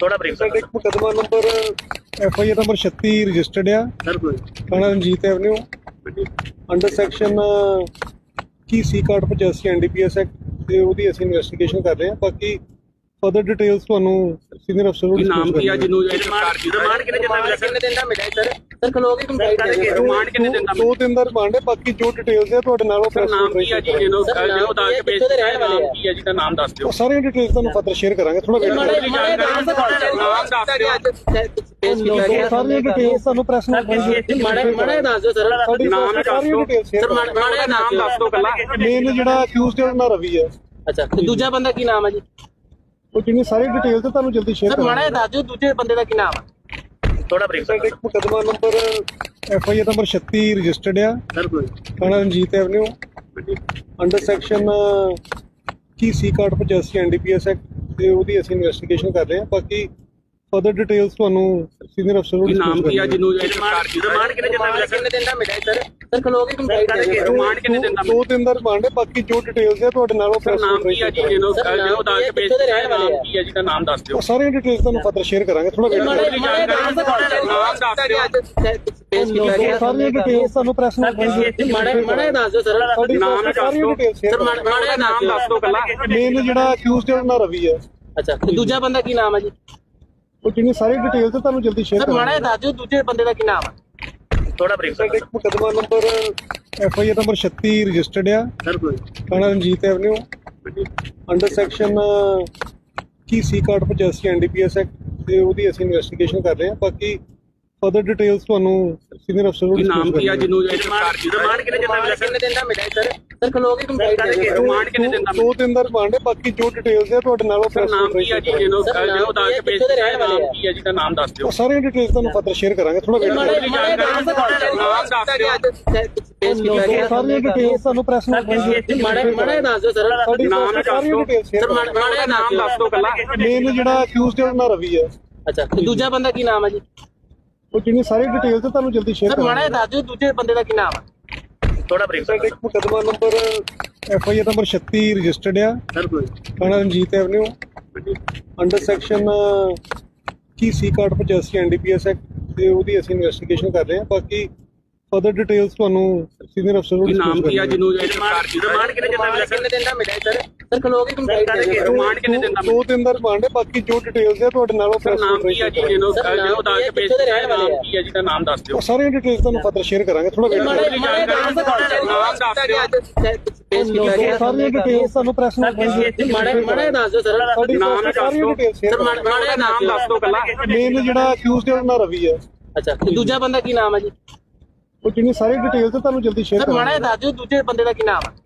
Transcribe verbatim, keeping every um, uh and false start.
थोड़ा brief sir एक मुकदमा number F I R number छत्ती रजिस्टर्ड है सर कोई थाना रंजीत एवेन्यू अंडर सैक्शन की सी कार्ड पचासी N D P S act ਤੇ ਉਹਦੀ ਅਸੀਂ ਇਨਵੈਸਟੀਗੇਸ਼ਨ ਕਰ ਰਹੇ ਹਾਂ। ਬਾਕੀ ਫਰਦਰ ਡਿਟੇਲਸ ਤੁਹਾਨੂੰ ਸੀਨੀਅਰ ਅਫਸਰ ਨੂੰ ਨਾਮ ਕੀ ਆ ਜਿਹਨੂੰ ਰਿਮਾਂਡ ਕਿੰਨੇ ਦਿਨ ਦਾ ਕਿੰਨੇ ਦਿਨ ਦਾ ਮਿਲਿਆ ਸਰ ਸਰ ਖਲੋਗੇ ਕੰਪਲੀਟ ਕਰਕੇ ਰਿਮਾਂਡ ਕਿੰਨੇ ਦਿਨ ਦਾ ਦੋ ਦਿਨ ਦਾ ਰਿਮਾਂਡ ਹੈ। ਬਾਕੀ ਜੋ ਡਿਟੇਲਸ ਹੈ ਤੁਹਾਡੇ ਨਾਲ ਉਹ ਸਰ ਨਾਮ ਕੀ ਆ ਜੀ ਜਿਹਨੂੰ ਜਿਹਨੂੰ ਦੱਸ ਕੇ ਭੇਜ ਰਿਹਾ ਨਾਮ ਕੀ ਆ ਜੀ ਦਾ ਨਾਮ ਦੱਸ ਦਿਓ। ਉਹ ਸਾਰੀਆਂ ਡਿਟੇਲਸ ਤੁਹਾਨੂੰ ਫਰਦਰ ਸ਼ੇਅਰ ਕਰਾਂਗੇ। ਥੋੜਾ ਵੇਟ ਕਰੋ। ਨਾਮ ਦੱਸ ਦਿਓ। ਸਾਰੀਆਂ ਡਿਟੇਲਸ ਤੁਹਾਨੂੰ ਪ੍ਰੈਸ ਨੂੰ ਮਾੜਾ ਮਾੜਾ ਦੱਸ ਦਿਓ ਸਰ ਨਾਮ ਦੱਸ ਦਿਓ ਸਰ ਮਾੜਾ ਨਾਮ ਦੱਸ ਦਿਓ ਕੱਲਾ ਮੇਨ ਜਿਹੜਾ ਅਕਿਊਜ਼ਡ ਹੈ ਉਹਨਾਂ ਰਵੀ ਹੈ। ਅੱਛਾ ਤੇ ਦੂਜਾ ਬੰਦਾ ਕੀ ਨਾਮ ਹੈ ਜੀ? ਉਹ ਜਿੰਨੀ ਸਾਰੀ ਡਿਟੇਲਸ ਤੁਹਾਨੂੰ ਜਲਦੀ ਸ਼ੇਅਰ ਸਰ ਮਾੜਾ ਦੱਸ ਦਿਓ ਦੂਜੇ ਬੰਦੇ ਦਾ ਕੀ ਨਾਮ ਹੈ? ਥੋੜਾ ਬਰੀਫ ਸਰ ਇੱਕ ਮੁਕਦਮਾ number F I R number ਛੱਤੀ ਰਜਿਸਟਰਡ ਹੈ ਸਰ ਕੋਈ ਥਾਣਾ ਰਣਜੀਤ ਐਵਨਿਊ ਅੰਡਰ ਸੈਕਸ਼ਨ ਕੀ ਸੀ ਕਾਰਡ ਪਚਾਸੀ N D P S act ਤੇ ਉਹਦੀ ਅਸੀਂ ਇਨਵੈਸਟੀਗੇਸ਼ਨ ਕਰ ਰਹੇ ਹਾਂ। ਬਾਕੀ ਫਰਦਰ ਡਿਟੇਲਸ ਤੁਹਾਨੂੰ ਸੀਨੀਅਰ ਅਫਸਰ ਨੂੰ ਨਾਮ ਕੀ ਆ ਜਿਹਨੂੰ ਰਿਮਾਂਡ ਕਿੰਨੇ ਦਿਨ ਦਾ ਕਿੰਨੇ ਦਿਨ ਦਾ ਮਿਲਿਆ ਸਰ ਸਰ ਖਲੋਗੇ ਕੰਪਲੀਟ ਕਰਕੇ ਰਿਮਾਂਡ ਕਿੰਨੇ ਦਿਨ ਦਾ ਦੋ ਦਿਨ ਦਾ ਰਿਮਾਂਡ ਹੈ। ਬਾਕੀ ਜੋ ਡਿਟੇਲਸ ਹੈ ਤੁਹਾਡੇ ਨਾਲ ਉਹ ਸਰ ਨਾਮ ਕੀ ਆ ਜੀ ਜਿਹਨੂੰ ਜਿਹਨੂੰ ਦੱਸ ਕੇ ਭੇਜ ਰਿਹਾ ਨਾਮ ਕੀ ਆ ਜੀ ਦਾ ਨਾਮ ਦੱਸ ਦਿਓ। ਉਹ ਸਾਰੀਆਂ ਡਿਟੇਲਸ ਤੁਹਾਨੂੰ ਫਰਦਰ ਸ਼ੇਅਰ ਕਰਾਂਗੇ। ਥੋੜਾ ਵੇਟ ਕਰੋ। ਨਾਮ ਦੱਸ ਦਿਓ। ਸਾਰੀਆਂ ਡਿਟੇਲਸ ਤੁਹਾਨੂੰ ਪ੍ਰੈਸ ਨੂੰ ਮਾੜਾ ਮਾੜਾ ਦੱਸ ਦਿਓ ਸਰ ਨਾਮ ਦੱਸ ਦਿਓ ਸਰ ਮਾੜਾ ਨਾਮ ਦੱਸ ਦਿਓ ਕੱਲਾ ਮੇਨ ਜਿਹੜਾ ਅਕਿਊਜ਼ਡ ਹੈ ਉਹਨਾਂ ਰਵੀ ਹੈ। ਅੱਛਾ ਤੇ ਦੂਜਾ ਬੰਦਾ ਕੀ ਨਾਮ ਹੈ ਜੀ? ਉਹ ਜਿੰਨੀ ਸਾਰੀ ਡਿਟੇਲਸ ਤੁਹਾਨੂੰ ਜਲਦੀ ਸ਼ੇਅਰ ਸਰ ਮਾੜਾ ਦੱਸ ਦਿਓ ਦੂਜੇ ਬੰਦੇ ਦਾ ਕੀ ਨਾਮ ਹੈ? ਥੋੜਾ ਬਰੀਫ ਸਰ ਇੱਕ ਮੁਕਦਮਾ number F I R number ਛੱਤੀ ਰਜਿਸਟਰਡ ਹੈ ਸਰ ਕੋਈ ਥਾਣਾ ਰਣਜੀਤ ਐਵਨਿਊ ਅੰਡਰ ਸੈਕਸ਼ਨ ਕੀ ਸੀ ਕਾਰਡ ਪਚਾਸੀ N D P S act ਤੇ ਉਹਦੀ ਅਸੀਂ ਇਨਵੈਸਟੀਗੇਸ਼ਨ ਕਰ ਰਹੇ ਹਾਂ। ਬਾਕੀ ਫਰਦਰ ਡਿਟੇਲਸ ਤੁਹਾਨੂੰ ਸੀਨੀਅਰ ਅਫਸਰ ਨੂੰ ਨਾਮ ਕੀ ਆ ਜਿਹਨੂੰ ਰਿਮਾਂਡ ਕਿੰਨੇ ਦਿਨ ਦਾ ਕਿੰਨੇ ਦਿਨ ਦਾ ਮਿਲਿਆ ਸਰ ਸਰ ਖਲੋਗੇ ਕੰਪਲੀਟ ਕਰਕੇ ਰਿਮਾਂਡ ਕਿੰਨੇ ਦਿਨ ਦਾ ਦੋ ਦਿਨ ਦਾ ਰਿਮਾਂਡ ਹੈ। ਬਾਕੀ ਜੋ ਡਿਟੇਲਸ ਹੈ ਤੁਹਾਡੇ ਨਾਲ ਉਹ ਸਰ ਨਾਮ ਕੀ ਆ ਜੀ ਜਿਹਨੂੰ ਜਿਹਨੂੰ ਦੱਸ ਕੇ ਭੇਜ ਰਿਹਾ ਨਾਮ ਕੀ ਆ ਜੀ ਦਾ ਨਾਮ ਦੱਸ ਦਿਓ। ਉਹ ਸਾਰੀਆਂ ਡਿਟੇਲਸ ਤੁਹਾਨੂੰ ਫਰਦਰ ਸ਼ੇਅਰ ਕਰਾਂਗੇ। ਥੋੜਾ ਵੇਟ ਕਰੋ। ਨਾਮ ਦੱਸ ਦਿਓ। ਸਾਰੀਆਂ ਡਿਟੇਲਸ ਤੁਹਾਨੂੰ ਪ੍ਰੈਸ ਨੂੰ ਮਾੜਾ ਮਾੜਾ ਦੱਸ ਦਿਓ ਸਰ ਨਾਮ ਦੱਸ ਦਿਓ ਸਰ ਮਾੜਾ ਨਾਮ ਦੱਸ ਦਿਓ ਕੱਲਾ ਮੇਨ ਜਿਹੜਾ ਅਕਿਊਜ਼ਡ ਹੈ ਉਹਨਾਂ ਰਵੀ ਹੈ। ਅੱਛਾ ਤੇ ਦੂਜਾ ਬੰਦਾ ਕੀ ਨਾਮ ਹੈ ਜੀ? ਉਹ ਜਿੰਨੀ ਸਾਰੀ ਡਿਟੇਲਸ ਤੁਹਾਨੂੰ ਜਲਦੀ ਸ਼ੇਅਰ ਸਰ ਮਾੜਾ ਦੱਸ ਦਿਓ ਦੂਜੇ ਬੰਦੇ ਦਾ ਕੀ ਨਾਮ ਹੈ? ਥੋੜਾ ਬਰੀਫ ਸਰ ਇੱਕ ਮੁਕਦਮਾ number F I R number ਛੱਤੀ ਰਜਿਸਟਰਡ ਹੈ ਸਰ ਕੋਈ ਥਾਣਾ ਰਣਜੀਤ ਐਵਨਿਊ ਅੰਡਰ ਸੈਕਸ਼ਨ ਕੀ ਸੀ ਕਾਰਡ ਪਚਾਸੀ N D P S act ਤੇ ਉਹਦੀ ਅਸੀਂ ਇਨਵੈਸਟੀਗੇਸ਼ਨ ਕਰ ਰਹੇ ਹਾਂ। ਬਾਕੀ ਫਰਦਰ ਡਿਟੇਲਸ ਤੁਹਾਨੂੰ ਸੀਨੀਅਰ ਅਫਸਰ ਨੂੰ ਨਾਮ ਕੀ ਆ ਜਿਹਨੂੰ ਰਿਮਾਂਡ ਕਿੰਨੇ ਦਿਨ ਦਾ ਕਿੰਨੇ ਦਿਨ ਦਾ ਮਿਲਿਆ ਸਰ ਸਰ ਖਲੋਗੇ ਕੰਪਲੀਟ ਕਰਕੇ ਰਿਮਾਂਡ ਕਿੰਨੇ ਦਿਨ ਦਾ ਦੋ ਦਿਨ ਦਾ ਰਿਮਾਂਡ ਹੈ। ਬਾਕੀ ਜੋ ਡਿਟੇਲਸ ਹੈ ਤੁਹਾਡੇ ਨਾਲ ਉਹ ਸਰ ਨਾਮ ਕੀ ਆ ਜੀ ਜਿਹਨੂੰ ਜਿਹਨੂੰ ਦੱਸ ਕੇ ਭੇਜ ਰਿਹਾ ਨਾਮ ਕੀ ਆ ਜੀ ਦਾ ਨਾਮ ਦੱਸ ਦਿਓ। ਉਹ ਸਾਰੀਆਂ ਡਿਟੇਲਸ ਤੁਹਾਨੂੰ ਫਰਦਰ ਸ਼ੇਅਰ ਕਰਾਂਗੇ। ਥੋੜਾ ਵੇਟ ਕਰੋ। ਨਾਮ ਦੱਸ ਦਿਓ। ਸਾਰੀਆਂ ਡਿਟੇਲਸ ਤੁਹਾਨੂੰ ਪ੍ਰੈਸ ਨੂੰ ਮਾੜਾ ਮਾੜਾ ਦੱਸ ਦਿਓ ਸਰ ਨਾਮ ਦੱਸ ਦਿਓ ਸਰ ਮਾੜਾ ਨਾਮ ਦੱਸ ਦਿਓ ਕੱਲਾ ਮੇਨ ਜਿਹੜਾ ਅਕਿਊਜ਼ਡ ਹੈ ਉਹਨਾਂ ਰਵੀ ਹੈ। ਅੱਛਾ ਤੇ ਦੂਜਾ ਬੰਦਾ ਕੀ ਨਾਮ ਹੈ ਜੀ? ਉਹ ਜਿੰਨੀ ਸਾਰੀ ਡਿਟੇਲਸ ਤੁਹਾਨੂੰ ਜਲਦੀ ਸ਼ੇਅਰ ਸਰ ਮਾੜਾ ਦੱਸ ਦਿਓ ਦੂਜੇ ਬੰਦੇ ਦਾ ਕੀ ਨਾਮ ਹੈ?